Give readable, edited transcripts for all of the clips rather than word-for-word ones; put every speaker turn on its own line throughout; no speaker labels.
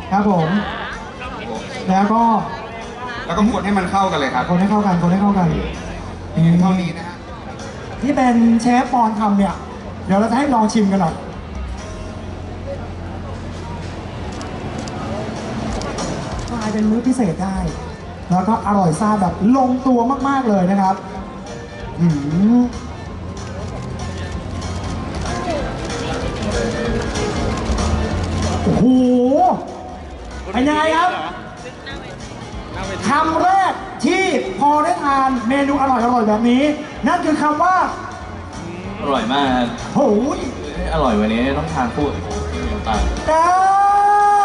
ครับผมแล้วก็
คนให้มันเข้ากันเลยครับ
คนให้เข้ากันคนให้เข้ากัน
เท่านี้นะฮะ
ที่เป็นเชฟปอนทำเนี่ยเดี๋ยวเราจะให้ลองชิมกันหน่อยกลายเป็นมื้อพิเศษได้ แล้วก็อร่อยซ่าแบบลงตัวมากๆเลยนะครับโอ้โหเป็นยังไงครับคำแรกที่พอได้ทานเมนูอร่อยๆแบบนี้ นั่นคือคำว่า
อร่อยมาก
โอ้ย
อร่อยวันนี้ต้องทานคู่กับน้ำตาล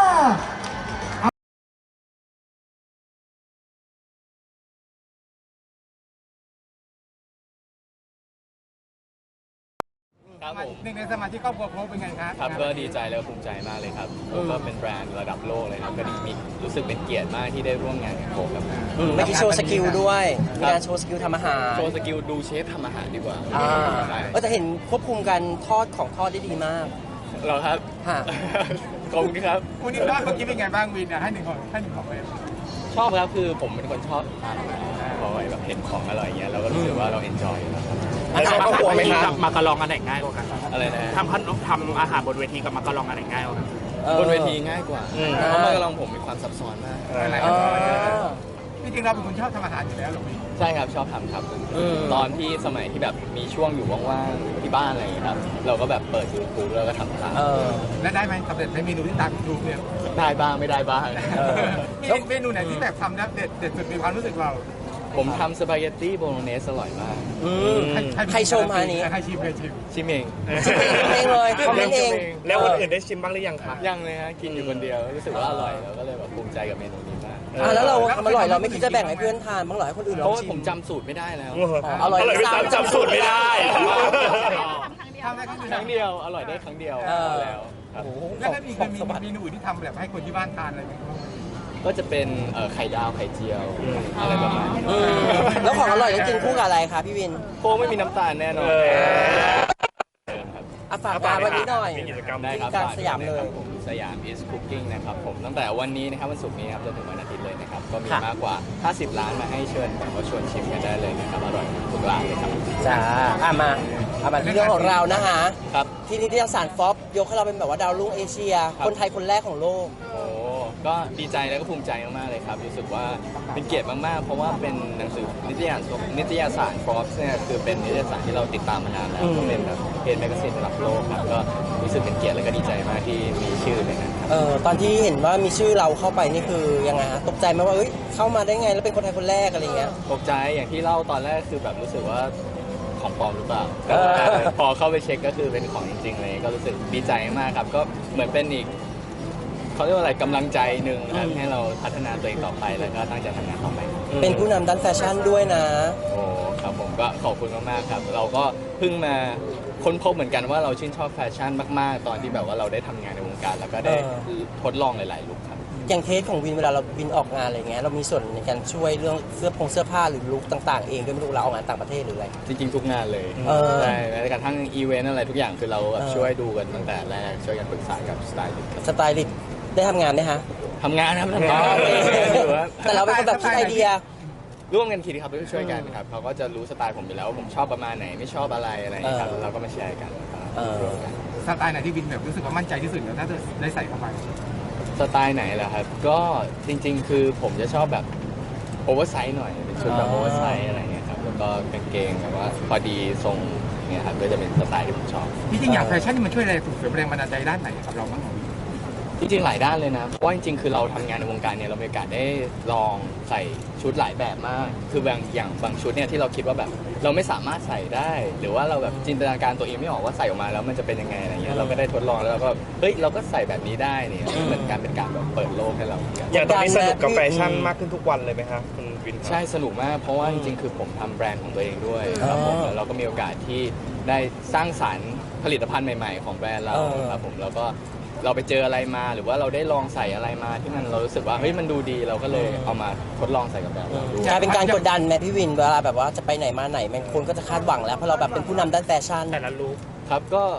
ครับผมหนึ่งในสมาชิกครอบครัวโค้กเป็นไงครับ
ครับก็ดีใจแล้วภูมิใจมากเลยครับก็เป็นแบรนด์ระดับโลกเลยครับก็ดีมีรู้สึกเป็นเกียรติมากที่ได้ร่วมงานกับโค้กครับ
เมื่อกี้โชว์สกิลด้วยมีการโชว์สกิลทำอาหาร
โชว์สกิลดูเชฟทำอาหารดีกว่า
แต่เห็นควบคุมการทอดของทอดได้ดีมาก
เหรอครับขอบคุณครับ
วันนี้บ้านเมื่อกี้เป็นไงบ้างวินให้หนึ่งของเลย
ชอบครับคือผมเป็นคนชอบทานอาหารพอแบบเห็นของอร่อยอย่างเงี้ยเราก็รู้สึกว่าเราเอนจอยนะครับ
อาหารครอบครัวไหมครับ
มากระลองอันไหนง่ายกว่ากัน
อะไรนะ
ทำอาหารบนเวทีกับมากระลองอันไหนง่ายกว่ากัน
บนเวทีง่ายกว่าเพราะมากระลองผมมีความซับซ้อนมาก
จริงๆเราเป็นคนชอบทำอาหารอยู่แล้วหรอพี่
ใช่ครับชอบทำครับตอนที่สมัยที่แบบมีช่วงอยู่ว่างๆที่บ้านอะไรอย่างเงี้ยครับเราก็แบบเปิด YouTube แล้วก็ทำตาม
และได้ไหมสำเร็จในเมนูที่ตาม YouTube เนี่ย
ได้บ้างไม่ได้บ้าง
เมนูไหนที่แบบทำแล้วเด็ดสุดในความรู้สึกเรา
ผมทำสปาเกตตี้โบโลเนสอร่อยมาก
ใครชมอันนี้
ใครชิมเอง
ชิมเอง
เลยคอมเมนต์เอง
แล้วคนอื่นได้ชิมบ้างหรือยังคะ
ยังเลยฮะกินอยู่คนเดียวรู้สึกว่าอร่อยแล้วก็เลยแบบภูมิใจกับเมนูนี้มาก
แล้วเราทำอร่อยเราไม่คิดจะแบ่งให้เพื่อนทานบ้างหรอให้คนอื่นลองชิม
เพราะว่าผมจำสูตรไม่ได้แล้ว
อร่อย
จำสูตรไม่ได้
ทำได้ค
รั้งเดียวอร่อยได้ครั้งเดียวแล้ว
แล้วถ้ามีเมนูอื่นที่ทำแบบให้คนที่บ้านทานอะไรไหม
ก็จะเป็นไข่ดาวไข่เจียวอะไรประมาณนี้
แล้วของอร่อยต้องกินคู่กับอะไรคะพี่วิน
โค้กไม่มีน้ำตาลแน่นอน
ฝากร้านวันนี้หน่อย
ได้ครับ
สยามเลย
สยาม is cooking นะครับผมตั้งแต่วันนี้นะครับวันศุกร์นี้ครับจนถึงวันอาทิตย์เลยนะครับก็มีมากกว่า50ร้านมาให้เชิญแบบว่าชวนชิมกันได้เลยนะครับอร่อยทุกร้านเลยครับ
จ้ามาที่เรื่องของเรานะคะ
ครับ
ที่นิตยสารฟอปยกให้เราเป็นแบบว่าดาวรุ่งเอเชียคนไทยคนแรกของโลก
ก็ดีใจแล้วก็ภูมิใจมากๆเลยครับรู้สึกว่าเป็นเกียรติมากๆเพราะว่าเป็นหนังสือนิตยสาร Forbes เนี่ยคือเป็นนิตยสารที่เราติดตามมานานแล้วก็เป็นแบบเพจแมกกาซีนระดับโลกครับก็รู้สึกเป็นเกียรติและก็ดีใจมากที่มีชื่อในนั้นครับ
ตอนที่เห็นว่ามีชื่อเราเข้าไปนี่คือยังไงฮะตกใจไหมว่าเข้ามาได้ไงแล้วเป็นคนไทยคนแรกอะไรเงี้ย
ตกใจอย่างที่เล่าตอนแรกคือแบบรู้สึกว่าของปลอมหรือเปล่าพอเข้าไปเช็คก็คือเป็นของจริงๆเลยก็รู้สึกดีใจมากครับก็เหมือนเป็นอีกเขาเรียกว่าอะไรกำลังใจหนึ่งครับให้เราพัฒนาตัวเองต่อไปแล้วก็ตั้งใจทำงานต่อไป
เป็นผู้นำด้านแฟชั่นด้วยนะ
โอ้ครับผมก็ขอบคุณมากๆครับเราก็เพิ่งมาค้นพบเหมือนกันว่าเราชื่นชอบแฟชั่นมากๆตอนที่แบบว่าเราได้ทำงานในวงการแล้วก็ได้ทดลองหลายๆลุคครับ
อย่างเทสของวินเวลาเราวินออกงานอะไรเงี้ยเรามีส่วนในการช่วยเรื่องเสื้อผ้าหรือลุคต่างๆเองด้วยไม่รู้เราออกงานต่างประเทศหรืออะไร
จริงๆทุกงานเลยใช่แม้กระทั่งอีเวนต์อะไรทุกอย่างคือเราช่วยดูกันตั้งแต่แรกช่วยกันปรึกษากับสไตลิส
ต์ได้ทำงานไหมฮะ
ทำงานครับทำงาน
แต่เราเป็นคนแบบคิดไอเดีย
ร่วมกันคิดครับช่วยกันครับเขาก็จะรู้สไตล์ผมอยู่แล้วว่าผมชอบประมาณไหนไม่ชอบอะไรครับเราก็มาแชร์กัน
สไตล์ไหนที่วินแบบรู้สึกว่ามั่นใจที่สุดแล้วถ้าจะได้ใส่เข้าไป
สไตล์ไหนล่ะครับก็จริงๆคือผมจะชอบแบบโอเวอร์ไซส์หน่อยเป็นชุดแบบโอเวอร์ไซส์อะไรเงี้ยครับแล้วก็กางเกงแบบว่าพอดีทรงเนี่ยครับก็จะเป็นสไตล์ที่ผมชอบ
จริงๆอย่างแฟชั่นนี่มันช่วยอะไรส่งเสริมแรงบันดาลใจด้านไหนกับเราบ้าง
จริงๆหลายด้านเลยนะเพราะว่าจริงๆคือเราทำงานในวงการเนี่ยเรามีโอกาสได้ลองใส่ชุดหลายแบบมากคือบางชุดเนี่ยที่เราคิดว่าแบบเราไม่สามารถใส่ได้หรือว่าเราแบบจินตนาการตัวเองไม่ออกว่าใส่ออกมาแล้วมันจะเป็นยังไงอะไรเงี้ยเราก็ได้ทดลองแล้วเราก็เราก็ใส่แบบนี้ได้เนี่ยเหมือนเป็นการแบบเปิดโลกให้เรา
อย่างตอนนี้สนุกกับแฟชั่นมากขึ้นทุกวันเลยไหมครับคุณวิน
ใช่สนุกมากเพราะว่าจริงๆคือผมทำแบรนด์ของตัวเองด้วยครับผมเราก็มีโอกาสที่ได้สร้างสรรค์ผลิตภัณฑ์ใหม่ๆของแบรนด์เราครับผมแล้วก็เราไปเจออะไรมาหรือว่าเราได้ลองใส่อะไรมาที่มันเรารู้สึกว่ามันดูดีเราก็เลยเอามาทดลองใส่กับแบบเราดู
กลายเป็นการกดดันไหมพี่วินเวลาแบบว่าจะไปไหนมาไหนมันคนก็จะคาดหวังแล้วเพราะเราแบบเป็นผู้นำด้านแฟชั่น
แต่ละลุค
ครับก็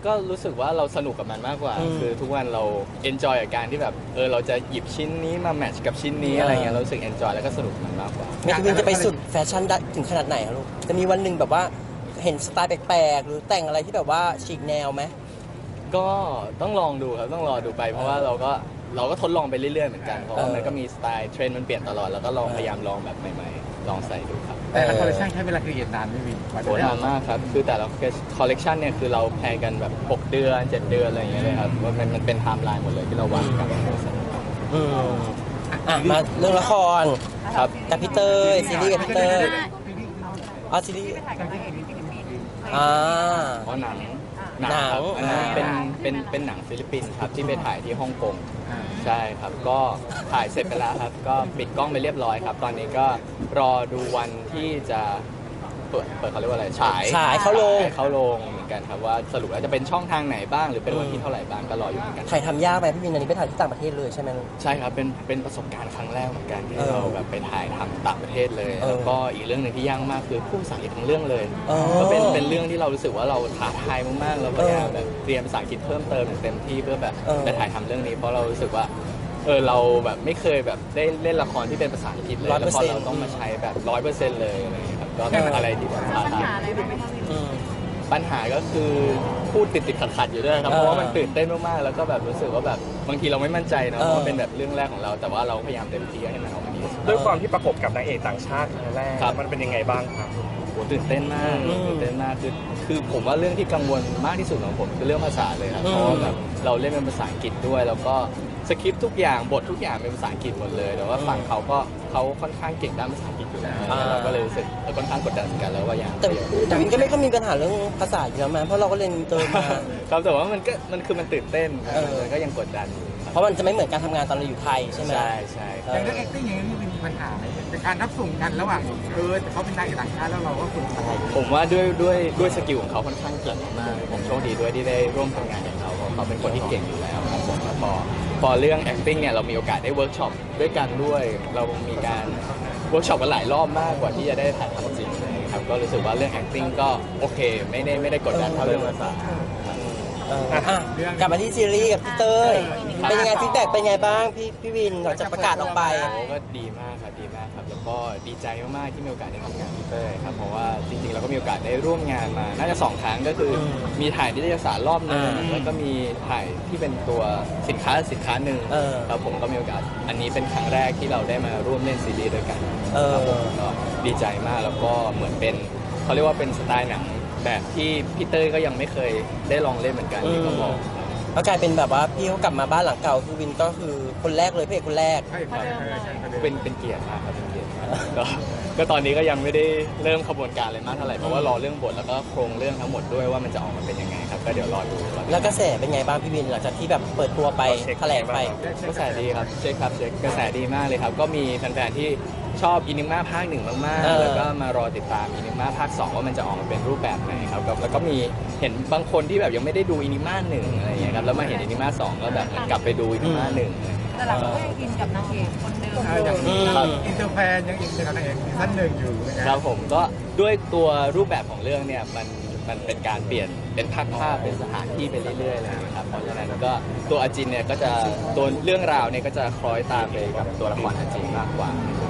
ก็รู้สึกว่าเราสนุกกับมันมากกว่า คือทุกวันเราเอนจอยกับการที่แบบเราจะหยิบชิ้นนี้มาแมทช์กับชิ้นนี้อะไรเงี้ยเรารู้สึกเอนจอยแล้วก็สนุกกับมันมากกว่า
เมทิวินจะไปสุดแฟชั่นได้ถึงขนาดไหนครับลูกจะมีวันหนึ่งแบบว่าเห็นสไตล์แปลกๆหรือแต่งอะไรที่แบบว่าฉีกแนวไหม
ก็ต้องลองดูครับต้องรอดูไปเพราะว่าเราก็ทดลองไปเรื่อยๆเหมือนกันเพราะว่ามันก็มีสไตล์เทรนด์มันเปลี่ยนตลอดแล้วก็ลองพยายามลองแบบใหม่ๆลองใส่ดูครับ
แต่ละคอลเลคชันใช้เวลาครีเอทนานไม่วิน
โหนานมากครับคือแต่ละคอลเลกชันเนี่ยคือเราแพลนกันแบบ6 เดือน 7 เดือนอะไรอย่างเงี้ยเลยครับว่ามันเป็นไทม์ไลน์หมดเลยที่เราวางกัน
อืมมาเรื่องละคร
ครับ
กับพี่เตยซีรีส์กับพี่เตยอ๋อซีรีส์อ่า
เพราะหนัง
หนัง
ครับอันนั้น
อ่า
เป็นหนังฟิลิปปินส์ครับที่ไปถ่ายที่ฮ่องกงใช่ครับก็ถ่ายเสร็จไปแล้วครับก็ปิดกล้องไปเรียบร้อยครับ ตอนนี้ก็รอดูวันที่จะเปิดเขาเรียกว่าอะไรฉาย
เข้าโรง
เข้าโรงเหมือนกันครับว่าสรุปแล้วจะเป็นช่องทางไหนบ้าง หรือเป็นวันที่เท่าไหร่บ้างก็รออยู่เหมือนกัน
ถ่ายทำยากไหมพี่วินอันนี้ไปถ่ายที่ต่างประเทศเลยใช่ไหมลูก
ใช่ครับเป็นประสบการณ์ครั้งแรกเหมือนกันที่
เออ
เราแบบไปถ่ายทำต่างประเทศเลย
เออ
แล้วก็อีกเรื่องหนึ่งที่ยากมากคือพูดภาษาอังกฤษทั้งเรื่องเลย
เออ
ก็เป็นเรื่องที่เรารู้สึกว่าเราท้าทายมากๆเราพยายามแบบเรียนภาษาอังกฤษเพิ่มเติมอย่างเต็มที่เพื่อแบบ
เออ
ไปถ่ายทำเรื่องนี้เพราะเรารู้สึกว่าเราแบบไม่เคยแบบได้เล่นละครที่เป็นภาษาอังกฤษเลยแล้วพอเราต้องมาใช้แบบ 100%เลยอะไรอย่างเงี้ยครับก็เป็นอะไรที่แบบท้าทาย
อืม
ปัญหาก็คือพูดติดขัดอยู่ด้วยครับเพราะว่ามันตื่นเต้นมากๆแล้วก็แบบรู้สึกว่าแบบบางทีเราไม่มั่นใจเนอะเพราะว่าเป็นแบบเรื่องแรกของเราแต่ว่าเราพยายามเต็มที่ให้มันออกมาดีที่สุด
ด้วยความที่ประกบกับนางเอกต่างชาติครั้งแรก
ครับ
มันเป็นยังไงบ้างครับ
โหตื่นเต้นมาก
อืม
ตื่นเต้นมากคือผมว่าเรื่องที่กังวลมากที่สุดของผมคือเรื่องภาษาเลยครับ
อืม
เพราะว่าแบบเราเล่นเป็นภาษาอังกฤษด้วย แล้วก็สคริปต์ทุกอย่างบททุกอย่างเป็นภาษาอังกฤษหมดเลยแต่ว่าฝั่งเขาค่อนข้างเก่งด้านภาษาอังกฤษอยู่แล้ว
อ่า
เราก็เลยรู้สึกค่อนข้างกดดันเหมือนกันแล้วว่าอย่าง
แต่วินก็ไม่ค่อยมีปัญหาเรื่องภาษาอยู่แล้วมั้ยเพราะเราก็เรียนอินเตอร์มา
ครับแต่ว่ามันคือมันตื่นเต้น
เออ
มันก็ยังกดดันอยู่ครับ
เพราะมันจะไม่เหมือนการทำงานตอนเราอยู่ไทยใช่ไหม
ใช่ใช่
เอ
อย่าง
อ
เรื่อง acting อย่างนี้มีปัญหาไหมเป็นการรับส่งกันระหว่างเขาเป็นนายเอกต่างชาติแล้วเราก็คนไทย
ผมว่าด้วยสกิลของเขาค่อนข้างเก่งมากผมโชคดีด้วยที่ได้ร่วมทำงานกับเขาเพราะเขาเป็นคนที่เก่งอยู่แล้วครับผมแล้วพอเรื่อง acting เนี่ยเรามีโอกาสได้เวิร์กช็อปด้วยกันด้วย เรามีการเวิร์กช็อปกันหลายรอบมากกว่าที่จะได้ถ่ายทำจริงเลยครับก็รู้สึกว่าเรื่อง acting ก็โอเคไม่ได้กดดันเท่าเรื่องภาษา
กลับมาที่ซีรีส์กับพี่เต้ย
ครับ
เป็นยังไงฟีดแบ็กเป็นยังไงบ้างพี่วินหลังจากประกาศออกไป
โอ้ก็ดีมากครับดีมากครับแล้วก็ดีใจมากๆที่มีโอกาสได้ทำงานกับพี่เต้ยครับเพราะว่าจริงๆเราก็มีโอกาสได้ร่วมงานมาน่าจะ2 ครั้งก็คืออ
ม
มีถ่ายนิตยสารรอบหนึง
อ่า
แล้วก็มีถ่ายที่เป็นตัวสินค้าหนึ่ง
เออ
แล้วผมก็มีโอกาสอันนี้เป็นครั้งแรกที่เราได้มาร่วมเล่นซีรีส์ด้วยกัน
เออ
ครับผมก็ดีใจมากแล้วก็เหมือนเป็นเขาเรียกว่าเป็นสไตล์หนังแบบที่พี่เต้ยก็ยังไม่เคยได้ลองเล่นเหมือนกันที่เขาบอก
ก็กลายเป็นแบบว่าพี่เขากลับมาบ้านหลังเก่าคือวินก็คือคนแรกเลยพระเอกคนแรก
ใช่ครับใช่ครับ
เป็นเกียรติมากครับเป็นเกียรติมากก็ตอนนี้ก็ยังไม่ได้เริ่มขบวนการอะไรมากเท่าไหร่เพราะว่ารอเรื่องบทแล้วก็โครงเรื่องทั้งหมดด้วยว่ามันจะออกมาเป็นยังไงครับก็เดี๋ยวรอดู
แล้วกระแสเป็นไงบ้างพี่วินหลังจากที่แบบเปิดตัวไปแถลงไป
กระแสดีครับเช็คกระแสดีมากเลยครับก็มีแฟนๆที่ชอบอินิม่าภาค 1มาก
เออ
ๆแล้วก็มารอติดตามอินิม่าภาค 2ว่ามันจะออกมาเป็นรูปแบบไหนครับแล้วก็มีเห็นบางคนที่แบบยังไม่ได้ดูอินิม่า1อะไรอย่างเงี้ยครับแล้วมาเห็นอินิม่า2ก็แบบเหมือนกลับไปดูอินิม่า1อะไรอย่างเงี้ย
แต่เราก็ยังอินกับนางเอกคนเดิม
อย่าง
อืม
อินเตอร์แฟนยังอินกับนางเอกซีซั่นหนึ่งอยู่นะ
ครับผมก็ด้วยตัวรูปแบบของเรื่องเนี่ยมันเป็นการเปลี่ยนเป็นภาพเป็นสถานที่ไปเรื่อยๆเลยนะครับเพราะฉะนั้นก็ตัวอาจินเนี่ยก็จะตัวเรื่องราวเนี่ยก็จะคล้อยตามไปกับตัวละครอาจินมากกว่า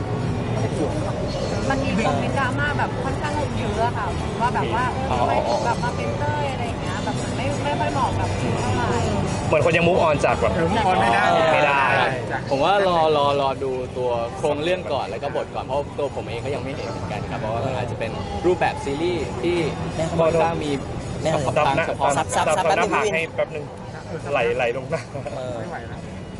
มันมีคอมเมนต์ดราม่าแบบค่อนข้างเยอะอะค่ะว่าแบบว่าทำไมถึงแบบมาเป็นเต้ยอะไรอย่างเงี้ยแบบมันไม่ค่อยเหมาะกับคิวเท่าไหร่
เหมือนคนยังมุกออนจากแบบ
มุกออนไม่ได้
ไม่ได้
ผมว่ารอดูตัวโครงเรื่องก่อนแล้วก็บทก่อนเพราะตัวผมเองก็ยังไม่เห็นเหมือนกันครับเพราะว่ามันอาจจะเป็นรูปแบบซีรีส์ที่ค่อนข้างมี
แน่เลย
ทางเฉพาะ
ซับ
ดับ
แป๊บ
ห
นึ
น้าง ผาก
พี่วิน
ให้แป๊บนึงไหลลงหน้า
เออ
ไม่ไหวแล้ว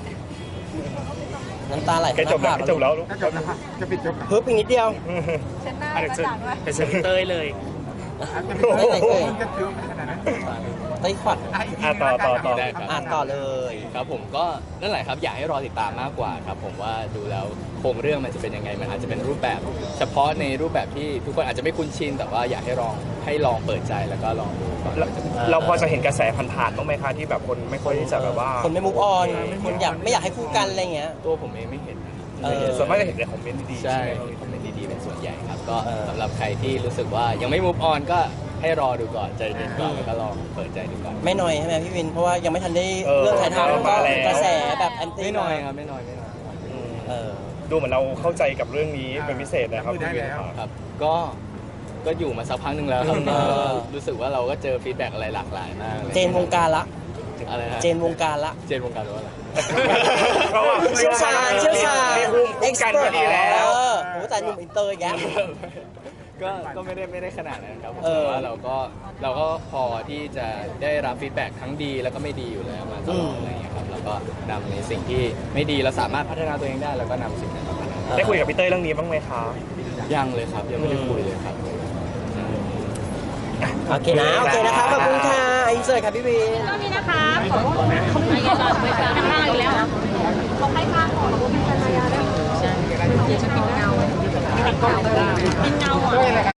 น้ำตาไหล
แกจบแล้วแกจบแล้วลูก
ถ้าจบนะครับจะปิดจบ
เพิ่มอีกนิดเดียว
เช็ดหน้า
อ่ะ
ก
เดี๋ยว
ระ
เชิญ
จ่างด้วย
ไปเชิญพี่เต้ยเลย
ไม่ไหนเอ่ย
จะเยอะขนาดนั้น
ไต้ขวัด
ต่อ
ได้ครับ
อ่านต่อเลย
ครับผมก็นั่นแหละครับอยากให้รอติดตามมากกว่าครับผมว่าดูแล้วโครงเรื่องมันจะเป็นยังไงมันอาจจะเป็นรูปแบบ เฉพาะในรูปแบบที่ทุกคนอาจจะไม่คุ้นชินแต่ว่าอยากให้ลองเปิดใจแล้วก็ลองดูก่อนว่าจะเป็น
เราพอจะเห็นกระแสผ่านๆบ้างไหมคะที่แบบคนไม่ค่อยที่จะแบบว่า
คนไม่มุกออนคนไม่อยากให้คู่กันอะไรเงี้ย
ตัวผมเองไม่เห็นนะ
เออ
ส่วนมากจะเห็นในคอมเมนต์ดีๆ
ใช่
ใช่ไหม
มีคอมเมนต์ดีๆเป็นส่วนใหญ่ครับก็
เออ
สำหรับใครที่รู้สึกว่ายังไม่ move on ก็ให้รอดูก่อนใจเย็นก่อนแล้วก็ลองเปิดใจดูก่อน
ไม่น้อยใช่ไหมพี่วินเพราะว่ายังไม่ทันได้
เออ
เรื่องถ่ายทำก็
มาแล้ว
กระแสแบบแอนตี้
ไม่น้อยครับไม่น้อย
เออ
ดูเหมือนเราเข้าใจกับเรื่องนี้เป็นพิเศษนะครับ
ได้แล้ว
ครับก็อยู่มาสักพักหนึ่งแล้วครับก็รู้สึกว่าเราก็เจอฟีดแบ็กอะไรหลากหลายมากเลย
เจนวงการละ
อะไรนะ
เจนวงการละ
เจนวงการหรือว่าอะไร
เพราะว่า
เชี่ยวชาญ
มีภูมิคุ้มกันพอดีแล้ว
โอ้แต่หนุ่มอินเตอร์อีกแยะ
ก็ไม่ได้ขนาดนั้นครับผม
เออ
แต่ว่าเราก็พอที่จะได้รับฟีดแบ็กทั้งดีแล้วก็ไม่ดีอยู่แล้วมาตลอดอะไรอย่างเงี้ยครับแล้วก็นำในสิ่งที่ไม่ดีเราสามารถพัฒนาตัวเองได้แล้วก็นำสิ่งนั้นมาพัฒนา
ได้คุยกับพี่เต้ยเรื่องนี้บ้างไหมคะ
ยังเลยครับยังไม่ได้คุยเลยครับ
โอเคนะครับขอบคุณค่ะอินเสิร์ตค่ะพี่วิน
ตอนนี้นะคะขอว่าเขาไม่ได้ก่อนไปข้างล่างอีกแล้วเขาให้ข้างก่อนเขาเป็นภรรยาได้ใช่จะเป็นเงาเป็นเงาอ่ะ